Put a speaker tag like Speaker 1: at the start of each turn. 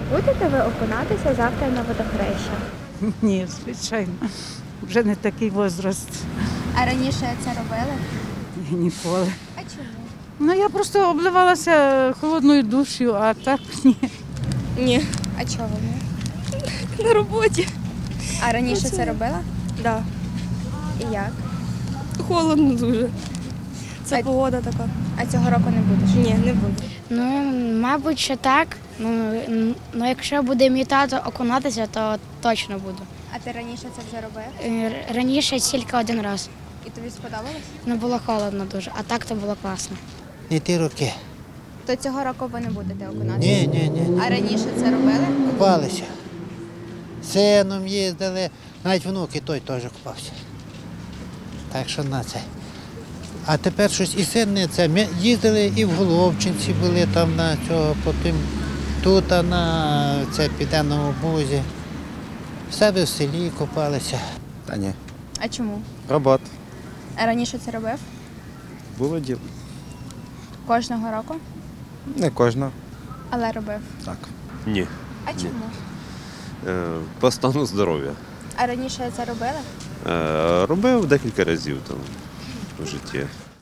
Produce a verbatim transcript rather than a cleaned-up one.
Speaker 1: Будете ви окунатися завтра на водохреща?
Speaker 2: Ні, звичайно. Вже не такий возраст.
Speaker 1: А раніше це робили?
Speaker 2: Ніколи.
Speaker 1: А чому?
Speaker 2: Ну я просто обливалася холодною душею, а так ні.
Speaker 3: Ні,
Speaker 1: А чого ні?
Speaker 3: на роботі.
Speaker 1: А раніше це робила?
Speaker 3: Да.
Speaker 1: І як?
Speaker 3: Холодно дуже. Це
Speaker 1: А-
Speaker 3: погода така.
Speaker 1: А цього року не будеш?
Speaker 3: Ні, не буду.
Speaker 4: Ну, мабуть, що так. Ну, н- ну, якщо буде мій тато окунатися, то точно буду.
Speaker 1: А ти раніше це вже робив?
Speaker 4: Е, р- Раніше тільки один раз.
Speaker 1: І тобі сподобалось?
Speaker 4: Ну, було холодно дуже, а так то було класно.
Speaker 5: Не ті роки.
Speaker 1: То цього року ви не будете окунатися?
Speaker 5: Ні, ні, ні, ні.
Speaker 1: А раніше це робили?
Speaker 5: Купалися. Сином їздили, навіть внуки той теж купався. Так що на це. А тепер щось і син не це. Ми їздили і в Головчинці були там на цього, потім тут а на це південному бузі. В себе в селі купалися.
Speaker 6: Та ні.
Speaker 1: А чому?
Speaker 6: Робота.
Speaker 1: А раніше це робив?
Speaker 6: Було діло.
Speaker 1: Кожного року?
Speaker 6: Не кожна.
Speaker 1: Але робив.
Speaker 6: Так.
Speaker 7: Ні.
Speaker 1: А чому?
Speaker 7: Е, По стану здоров'я.
Speaker 1: А раніше це робили?
Speaker 7: Е, Робив декілька разів там в житті.